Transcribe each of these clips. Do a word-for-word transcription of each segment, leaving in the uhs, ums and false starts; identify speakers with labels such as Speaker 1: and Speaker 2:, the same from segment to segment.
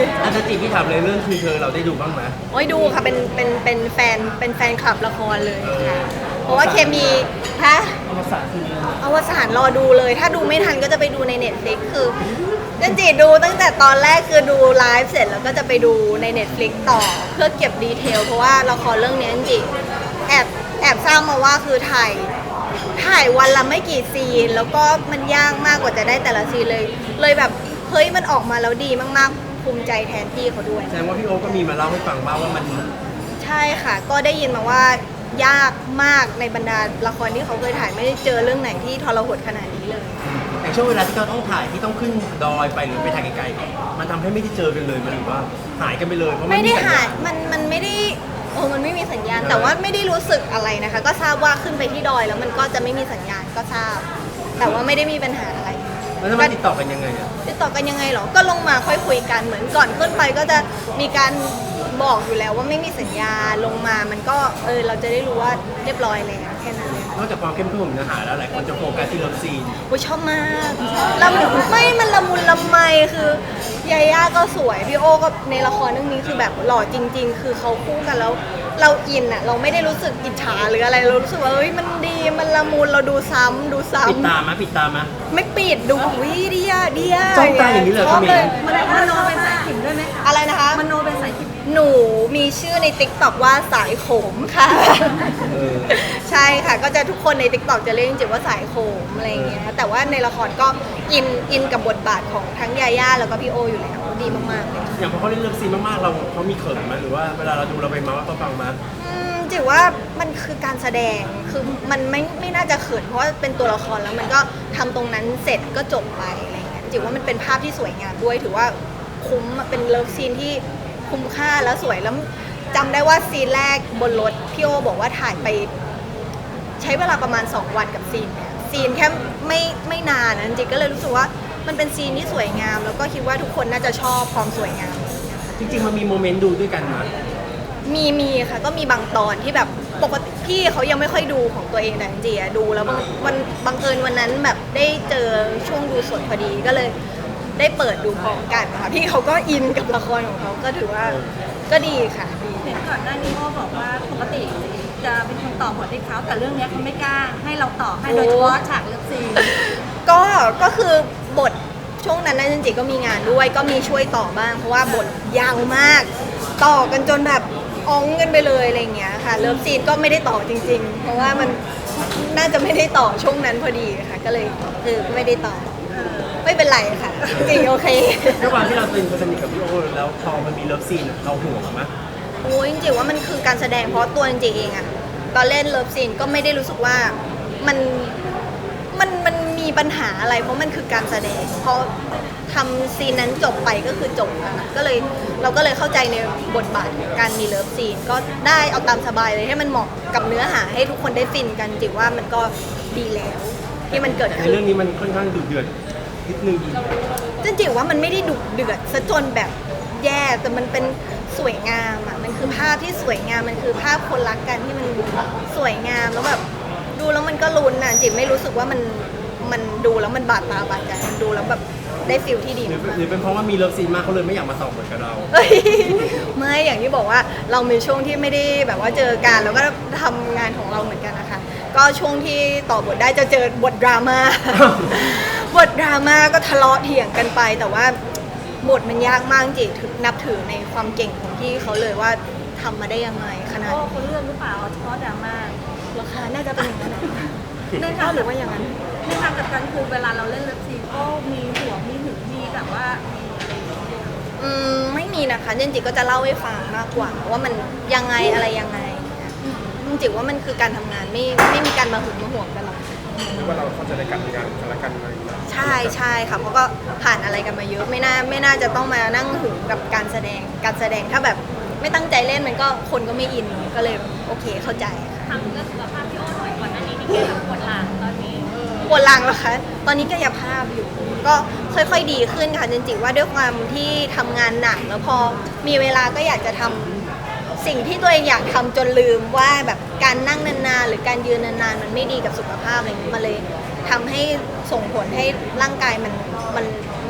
Speaker 1: อาจารย์จีพี่ถามเลยเรื่องคือเธอเราได้ดูบ้างไหม
Speaker 2: โอ้ยดูค่ะเป็นเป็นเป็นแฟนเป็นแฟนคลับละครเลยค่ะเพราะว่าเคมีฮะ
Speaker 1: อวสานคือ
Speaker 2: อวสานรอดูเลย ถ้าดูไม่ทันก็จะไปดูใน Netflix คือจันจีดูตั้งแต่ตอนแรกคือดูไลฟ์เสร็จแล้วก็จะไปดูใน Netflix ต่อเพื่อเก็บดีเทลเพราะว่าละครเรื่องนี้จันจีแอบแอบทราบมาว่าคือถ่ายถ่ายวันละไม่กี่ซีนแล้วก็มันยากมากกว่าจะได้แต่ละซีนเลย เลยแบบเฮ้ยมันออกมาแล้วดีมากๆภูมิใจแทนพี่เขาด้วย
Speaker 1: แสดงว่าพี่โอ๊ก็มีมาเล่าให้ฟังบ้างว่ามัน
Speaker 2: ใช่ค่ะก็ได้ยินมาว่ายากมากในบรรดาละครที่เขาเคยถ่ายไม่ได้เจอเรื่องไหนที่ทรหดขนาดนี้เลย
Speaker 1: อย่างช่วงเวลาที่เราต้องถ่ายที่ต้องขึ้นดอยไปหรือไปถ่ายไกลๆมันทำให้ไม่ได้เจอกันเลยมันหรือว่าหายกันไปเลยเพราะ
Speaker 2: ไม่ได้หาย
Speaker 1: ญ
Speaker 2: มันมันไม่ได้โอ้มันไม่มีสัญญาณแต่ว่าไม่ได้รู้สึกอะไรนะคะก็ทราบว่าขึ้นไปที่ดอยแล้วมันก็จะไม่มีสัญญาณก็ทราบแต่ว่าไม่ได้มีปัญหาอะไร
Speaker 1: แล้วมันติดต่อกันยังไงอะ
Speaker 2: ติดต่อกันยังไงหรอก็ลงมาค่อยคุยกันเหมือนก่อนขึ้นไปก็จะมีการบอกอยู่แล้วว่าไม่มีสัญญาลงมามันก็เออเราจะได้รู้ว่าเรียบร้อยแล้วแค่นั้นเลย
Speaker 1: นอกจากความเข้มข้นของเนื้อหาแล้วหลายคนจะโฟกัสที่เลิฟซีน
Speaker 2: โอ้ยชอบมากละมุนไม่มันละมุนละไมคือยาย่าก็สวยพี่โอก็ในละครเรื่องนี้คือแบบหล่อจริงๆคือเขาคู่กันแล้วเราอินอะเราไม่ได้รู้สึกอิจฉาหรืออะไรเรารู้สึกว่าเฮ้ยมันดีมันละมุนเราดูซ้ำดูซ้ำ
Speaker 1: ปิดตามาปิดตามา
Speaker 2: ไม่ปิดดูวิดียดีอะ
Speaker 1: จ้องตาอย่างนี้เลย
Speaker 2: ชอบเลย
Speaker 3: มโนเป็นสายขิมด้วยไหม
Speaker 2: อะไรนะคะ
Speaker 3: มโนเป็นสายขิม
Speaker 2: หนูมีชื่อใน ติ๊กต็อก ว่าสายโขมค่ะใช่ค่ะก็จะทุกคนใน ติ๊กต็อก จะเรียกจริงๆว่าสายโขมอะไรอย่างเงี้ยแต่ว่าในละครก็อินอินกับบทบาทของทั้งยาย่าแล้วก็พี่โออยู่แล้วดีมากๆเลย
Speaker 1: อย่างพอเขาเล่นเลิฟซีนมากๆเราเขามีเขินไหมหรือว่าเวลาเราดูเราไปมาว่าเขาฟังมา
Speaker 2: จิ๋วว่ามันคือการแสดงคือมันไม่ไม่น่าจะเขินเพราะว่าเป็นตัวละครแล้วมันก็ทำตรงนั้นเสร็จก็จบไปอะไรเงี้ยจิ๋วว่ามันเป็นภาพที่สวยงามด้วยถือว่าคุ้มเป็นเลิฟซีนที่คุ้มค่าแล้วสวยแล้วจำได้ว่าซีนแรกบนรถพี่โอบอกว่าถ่ายไปใช้เวลาประมาณสองวันกับซีนเนี่ยซีนแค่ไม่ไม่นานนะจริงๆก็เลยรู้สึกว่ามันเป็นซีนที่สวยงามแล้วก็คิดว่าทุกคนน่าจะชอบความสวยงาม
Speaker 1: จริงๆมันมีโมเมนต์ดูด้วยกันมา
Speaker 2: มีมีค่ะก็มีบางตอนที่แบบปกติพี่เขายังไม่ค่อยดูของตัวเองแต่จริงๆดูแล้วบางวันบังเอิญวันนั้นแบบได้เจอช่วงดูสดพอดีก็เลยได้เปิดดูพร้อมกันค่ะพี่เขาก็อินกับละครของเขาก็ถือว่าก็ดีค่ะดี
Speaker 3: เห็นก่อนหน้านี้พ่อบอกว่าปกติจะเป็นคนต่อบทให้เขาแต่เรื่องนี้เขาไม่กล้าให้เราต่อให้โดยเฉพาะฉากเลิฟซีน
Speaker 2: ก็ก็คือบทช่วงนั้นนะจริงๆก็มีงานด้วยก็มีช่วยต่อบ้างเพราะว่าบทยาวมากต่อกันจนแบบอ้องกันไปเลยอะไรอย่างเงี้ยค่ะเลิฟซีนก็ไม่ได้ต่อจริงๆเพราะว่ามันน่าจะไม่ได้ต่อช่วงนั้นพอดีค่ะก็เลยเออไม่ได้ต่อไม่เป็นไรค่ะจริงโอเค
Speaker 1: ด้วยความที่เราเป็นคนสนิทกับพี่โอแล้วพอมันมีเลิฟซีนเราห่วงไหม
Speaker 2: โอ้ยจริงๆว่ามันคือการแสดงเพราะตัวจริงๆเองอะตอนเล่นเลิฟซีนก็ไม่ได้รู้สึกว่ามันมันมันมีปัญหาอะไรเพราะมันคือการแสดงเพราะทำซีนนั้นจบไปก็คือจบแล้วก็เลยเราก็เลยเข้าใจในบทบาทการมีเลิฟซีนก็ได้เอาตามสบายเลยให้มันเหมาะกับเนื้อหาให้ทุกคนได้ฟินกันจริงว่ามันก็ดีแล้วที่มันเกิดขึ้น
Speaker 1: ในเรื่องนี้มันค่อนข้างดุเดือดนิดนึง
Speaker 2: จริงๆว่ามันไม่ได้ดุเดือดซะจนแบบแย่แต่มันเป็นสวยงามอ่ะมันคือภาพที่สวยงามมันคือภาพคนรักกันที่มันสวยงามแล้วแบบดูแล้วมันก็ลุ้นน่ะจิ๋มไม่รู้สึกว่ามันมันดูแล้วมันบาดตาบาดใจมันดูแล้วแบบได้ฟิลที่ดี
Speaker 1: หรือเป็นเพราะว่ามีเลิฟซีนมากเขาเลยไม่อยากมาต่อบทกับเรา
Speaker 2: ไม่อย่างที่บอกว่าเรามีช่วงที่ไม่ได้แบบว่าเจอกันแล้วก็ทำงานของเราเหมือนกันนะคะก็ช่วงที่ต่อบทได้จะเจอบทดราม่าบทดราม่าก็ทะเลาะเถียงกันไปแต่ว่าบทมันยากมากจริงนับถือในความเก่งของพี่เขาเลยว่าทำมาได้ยังไงขนาด
Speaker 3: พ่อเขาเลือกหรือเปล่าเฉพาะดราม่า
Speaker 2: ราคาน่าจะเป็นอย่างนั้น
Speaker 3: ในทาง
Speaker 2: หรือว่าอย่างนั้น
Speaker 3: ในทางกับการคือเวลาเราเล่นเลิฟซีนก็มีหัวมีหึงมีแบบว่า
Speaker 2: อืมไม่มีนะคะจริงๆก็จะเล่าให้ฟังมากกว่าว่ามันยังไงอะไรยังไงจริงๆว่ามันคือการทำงานไม่ไม่มีการมาหึงมาห่วงกันหรอก
Speaker 1: ว่าเราเข้าใจในการทำงานกันละกันอะไรอย่างเงี้ย
Speaker 2: ใช่ใช่ค่ะเพราะก็ผ่านอะไรกันมาเยอะไม่น่าไม่น่าจะต้องมานั่งหึงกับการแสดงการแสดงถ้าแบบไม่ตั้งใจเล่นมันก็คนก็ไม่อินก็เลยโอเคเข้าใจ
Speaker 3: ทำเรื่องสุขภาพพี่โอ้หน่อยก่อนหน้านี้ที่เกี่ยวกับปวดหลังตอนนี้
Speaker 2: ปวดหลังเหรอคะตอนนี้กายภาพอยู่ก็ค่อยๆดีขึ้นค่ะจริงๆว่าด้วยความที่ทำงานหนักแล้วพอมีเวลาก็อยากจะทำสิ่งที่ตัวเองอยากทำจนลืมว่าแบบการนั่งนานๆหรือการยืนนานๆมันไม่ดีกับสุขภาพอะไรเงี้ยมาเลยทำให้ส่งผลให้ร่างกายมันมันเหมือน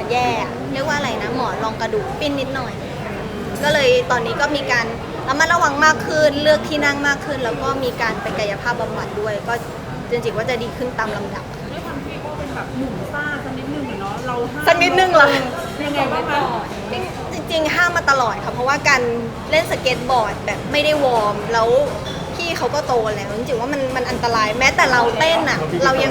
Speaker 2: แย่เรียกว่าอะไรนะหมอนรองกระดูกปิ้นนิดหน่อย ก็เลยตอนนี้ก็มีการระมัดระวังมากขึ้นเลือกที่นั่งมากขึ้น แล้วก็มีการไปกายภาพบำบัดด้วย ก็จริงๆว่าจะดีขึ้นตามลำดับ
Speaker 3: ด้วยความที่ก็เป็นแบบหนุ่มซ่าสักนิดนึงอะเนาะเราห้าม
Speaker 2: สักนิดนึงเหรอ
Speaker 3: ยังไงบ้างคะ
Speaker 2: จริงๆห้ามมาตลอดค่ะเพราะว่าการเล่นสเก็ตบอร์ดแบบไม่ได้วอร์มแล้วพี่เขาก็โตแล้วจริงๆว่ามันมันอันตรายแม้แต่เราเต้นอ่ะเรายัง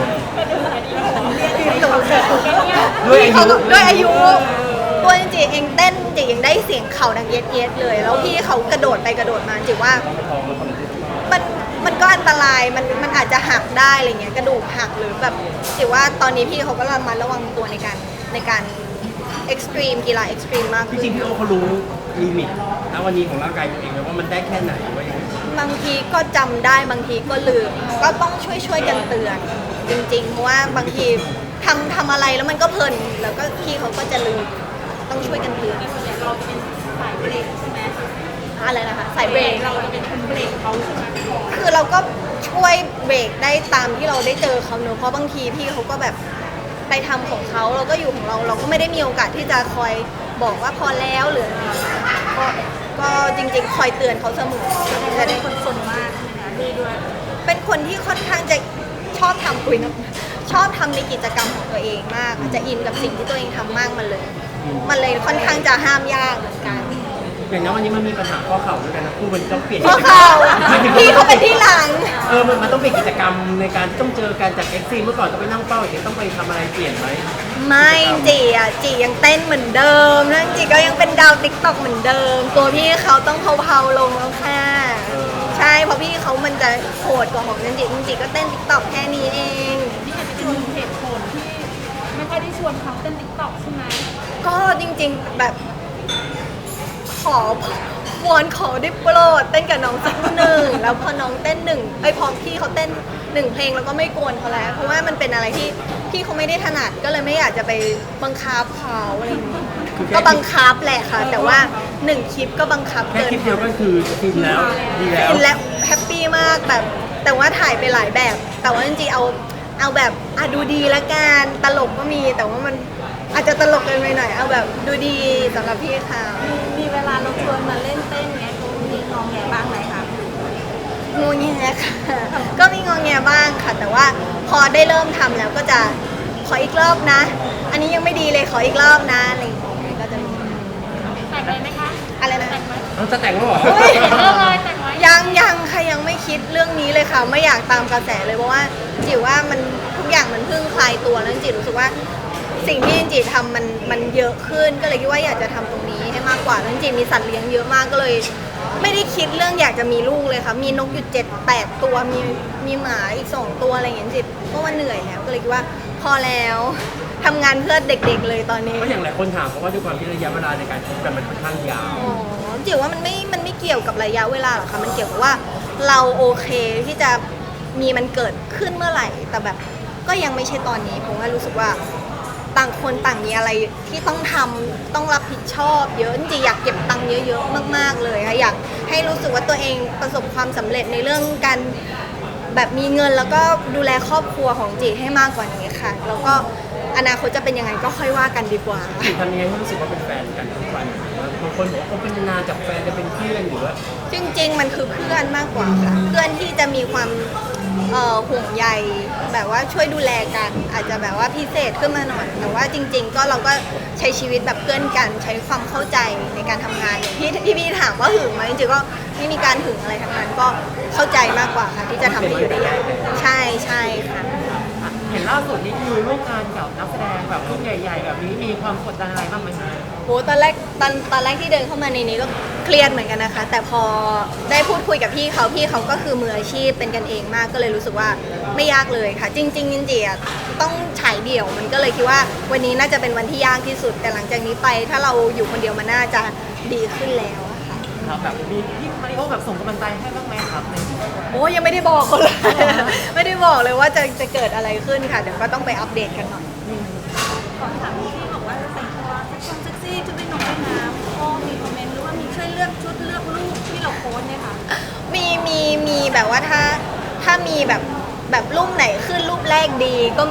Speaker 1: ด้วยอายุ
Speaker 2: พี่เขาก็ด้วยอายุตัวจริงๆเองเต้นจริงๆยังได้เสียงเข่าดังเย็ดเย็ดๆเลย แล้วพี่เขากระโดดไปกระโดดมาจริงว่ามันมันก็อันตรายมันมันอาจจะหักได้อะไรเงี้ยกระดูกหักหรือแบบจริงว่าตอนนี้พี่เขาก็ระมัดระวังตัวในการในการเอ็กซ์ตรีมกีฬาเอ็กซ์ตรีมมาก
Speaker 1: จ
Speaker 2: ขึ้น
Speaker 1: ริงๆพี่โอเขารู้ลิมิตณวันนี้ของร่างกายตัวเองไหมว่ามันได้แค่ไหนว่าอย่างไร
Speaker 2: บางทีก็จำได้บางทีก็ลืมก็ต้องช่วยช่วยๆกันเตือน จริงๆเพราะว่าบางทีทำทำอะไรแล้วมันก็เพลินแล้วก็พี่เขาก็จะลืมต้องช่วยกันเตือน
Speaker 3: ส่วนใหญ่เราจะเป็นสายเบรกใช่ไหม
Speaker 2: อะไรนะคะสายเบรก
Speaker 3: เราจะเป็นคนเบรกเขาใช่ไหม
Speaker 2: คือเราก็ช่วยเบรกได้ตามที่เราได้เจอเขาเนอะเพราะบางทีพี่เขาก็แบบไปทำของเขาเราก็อยู่ของเรา เราก็ไม่ได้มีโอกาสที่จะคอยบอกว่าพอแล้วหรืออะไรก็ก็จริงๆ คอยเตือนเขาเสมอ
Speaker 3: แต่เป็นคนสนมากใช่ไหมคะดีด้วย
Speaker 2: เป็นคนที่ค่อนข้างจะชอบทำคุยนะชอบทำในกิจกรรมของตัวเองมากจะอินกับสิ่งที่ตัวเองทำมากมันเลย มันเลยค่อนข้างจะห้ามยากเหมือนกัน
Speaker 1: อย่างนั้นวันนี้มันมีปัญหาข้อเข่าด้วยกันนะคู่มันต้องเปลี่ยน
Speaker 2: เพราะเขาพี่เขาเป็นที่หลัง
Speaker 1: เออมันมันต้องเปลี่ยนกิจกรรมในการที่ต้องเจอกันจากเอ็กซ์ซีเมื่อก่อนต้องไปนั่งเป้าอย่างนี้ต้องไปทำอะไรเปลี่ยนไหม
Speaker 2: ไม่จีอ่ะจียังเต้นเหมือนเดิมนั่นจีก็ยังเป็นดาวติ๊กต็อกเหมือนเดิม ตัวพี่เขาต้องเผาๆลงแล้วค่ะใช่เพราะพี่เขามันจะโหดกว่าของจันจีจันจีก็เต้นติ๊กต็อกแค่นี้เอง
Speaker 3: นี่อาจจะเป็นหนึ่งเหตุผลที่ไม่ค่อยได้ชวนเขาเต้นติ๊กต็อกใช่ไหม
Speaker 2: ก็จริงๆแบบขอวอนขอได้โปรดเต้นกับน้องสักหนึ่งแล้วพอน้องเต้นหนึ่งไอ้ยพอพี่เขาเต้นหนึ่งเพลงแล้วก็ไม่กวนเขาแล้วเพราะว่ามันเป็นอะไรที่พี่เขาไม่ได้ถนัดก็เลยไม่อยากจะไปบังคับเขาอะไรอย่างเงี้ยก็บังคับแหละค่ะ แต่ว่าหนึ่งคลิปก็บังคับ
Speaker 1: แค่
Speaker 2: เกิน
Speaker 1: คลิปเดียวก็คือฟินแล้วดีแล้ว
Speaker 2: ฟินและแฮปปี้มากแบบแต่ว่าถ่ายไปหลายแบบ แต่ว่าจริงๆเอาเอาแบบอ่ะดูดีละกันตลกก็มีแต่ว่ามันอาจจะตลกเกินไปหน่อยเอาแบบดูดีสำหรับพี่เขา
Speaker 3: มีเวลาเราชวนมาเล่นเต้นเนี้ยเขามีงองแงบ้างไหมคะ
Speaker 2: งงแงค่ะ ก็มีงงแงบ้างค่ะ แต่ว่าพอได้เริ่มทำแล้วก็จะขออีกรอบนะ อันนี้ยังไม่ดีเลยขออีกรอบนะอะไรอย่างเงี้ยก็จะมี
Speaker 3: แต่งเลยไหมคะ
Speaker 2: อะไรนะ
Speaker 1: เราจะแต่งแล้วเหรอ
Speaker 2: เฮ้ย
Speaker 3: เริ่มเลยแต่งไว้
Speaker 2: ยังยังค่ะยังไม่คิดเรื่องนี้เลยค่ะ ไม่อยากตามกระแสเลยเพราะว่าจิ๋วว่ามันทุกอย่างมันเพิ่งคลายตัวแล้วจิ๋วรู้สึกว่าสิ่งที่จิ๋วทำมันมันเยอะขึ้นก็เลยคิดว่าอยากจะทำตรงนี้ให้มากกว่าแล้วจิ๋วมีสัตว์เลี้ยงเยอะมากก็เลย ไม่ได้คิดเรื่องอยากจะมีลูกเลยค่ะ มีนกอยู่เจ็ดแปดตัวมีมีหมาอีกสองตัวอะไรอย่างเงี้ยจิ๋วก็ว่าเหนื่อยแล้วก็เลยคิดว่าพอแล้วทำงานเพื่อเด็กๆเลยตอนนี้
Speaker 1: เพราะอย่างหลายคนถามเพราะว่าด้วยความที่ระยะเวลาในการคบกันมันค่อนข้างยาว
Speaker 2: อ๋อจิ๋วว่ามันไม่ มันไม่เกี่ยวกับระยะเวลาหรอกค่ะ มันเกี่ยวกับว่าเราโอเคที่จะมีมันเกิดขึ้นเมื่อไหร่ แต่แบบก็ยังไม่ใช่ตอนนี้ผมว่ารู้สึกว่าต่างคนต่างมีอะไรที่ต้องทำต้องรับผิดชอบเยอะจริงๆอยากเก็บตังค์เยอะๆมากๆเลยค่ะอยากให้รู้สึกว่าตัวเองประสบความสำเร็จในเรื่องการแบบมีเงินแล้วก็ดูแลครอบครัวของจีให้มากกว่านี้ค่ะ แล้วก็อนาคตจะเป็นยังไงก็ค่อยว่ากันดีกว่า
Speaker 1: จีทำยังไงให้รู้สึกว่าเป็นแฟนกันทุกวันบางคนบอกว่าเขาเป็นนานจากแฟนจะเป็นเพื่อนหรือว่า
Speaker 2: จริงๆ มันคือเพื่อนมากกว่าค่ะ เพื่อนที่จะมีความเอ่อห่วงใยแบบว่าช่วยดูแลกัน อาจจะแบบว่าพิเศษขึ้นมาหน่อย แต่ว่าจริง ๆ ก็เราก็ใช้ชีวิตแบบเพื่อนกัน ใช้ความเข้าใจในการทำงานอย่างที่ที่พี่ถามว่าหึงไหมจริงๆก็ไม่มีการหึงอะไรทั้งนั้นก็เข้าใจมากกว่าค่ะ ที่จะทำให้อยู่ได้ยาวใช่ใช่ค่ะ
Speaker 4: เห็นล่าสุดนี่คือร่วมงานกับนักแสดงแบบรุ่นใหญ่ๆ แบบนี้มีความกดดันอะไรบ้างไหมคะ
Speaker 2: โหตอนแรกตอนตอนแรกที่เดินเข้ามาในนี้ก็เครียดเหมือนกันนะคะ แต่พอได้พูดคุยกับพี่เขาพี่เขาก็คือมืออาชีพเป็นกันเองมากก็เลยรู้สึกว่าไม่ยากเลยค่ะ จริงๆจริงๆอ่ะต้องฉายเดี่ยวมันก็เลยคิดว่าวันนี้น่าจะเป็นวันที่ยากที่สุด แต่หลังจากนี้ไปถ้าเราอยู่คนเดียวมันน่าจะดีขึ้นแล้วอะค่ะ
Speaker 4: ครับแบบมีพี่มาริโอแบบส่งกำลังใจให้บ้างไหมครับใน
Speaker 2: โอ้ยังไม่ได้บอกเขาเลย ไม่ได้บอกเลยว่าจะจะเกิดอะไรขึ้นค่ะเดี๋ยวก็ต้องไปอัปเดตกันหน่อย
Speaker 3: ขอถามที่บอกว่าแต่งตัวเซ็กซ์เซ็กซี่ชุดว่ายน้ำว่ายน้ำก็มีคอมเมนต์หรือว่ามีช่วยเลือกชุดเลือกรูปที่เราโพสต์เนี่ยค่ะ
Speaker 2: มีมีมีแบบว่าถ้าถ้ามีแบบแบบรูปไหนขึ้นรูปแรกดีก็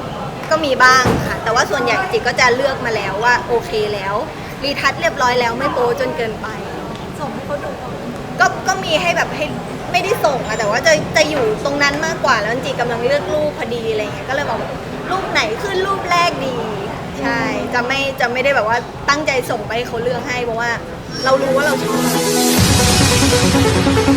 Speaker 2: ก็มีบ้างค่ะ แต่ว่าส่วนใหญ่จิก็จะเลือกมาแล้วว่าโอเคแล้วรีทัชเรียบร้อยแล้วไม่โป๊จนเกินไป
Speaker 3: ส่งให้เขาดูก่อน
Speaker 2: ก็ก็มีให้แบบให้ไม่ได้ส่งอะแต่ว่าจะจะอยู่ตรงนั้นมากกว่าแล้วจีกำลังเลือกรูปพอดีอะไรเงี้ยก็เลยบอกว่ารูปไหนขึ้นรูปแรกดี ใช่จะไม่จะไม่ได้แบบว่าตั้งใจส่งไปให้เขาเลือกให้เพราะว่าเรารู้ว่าเราชอบ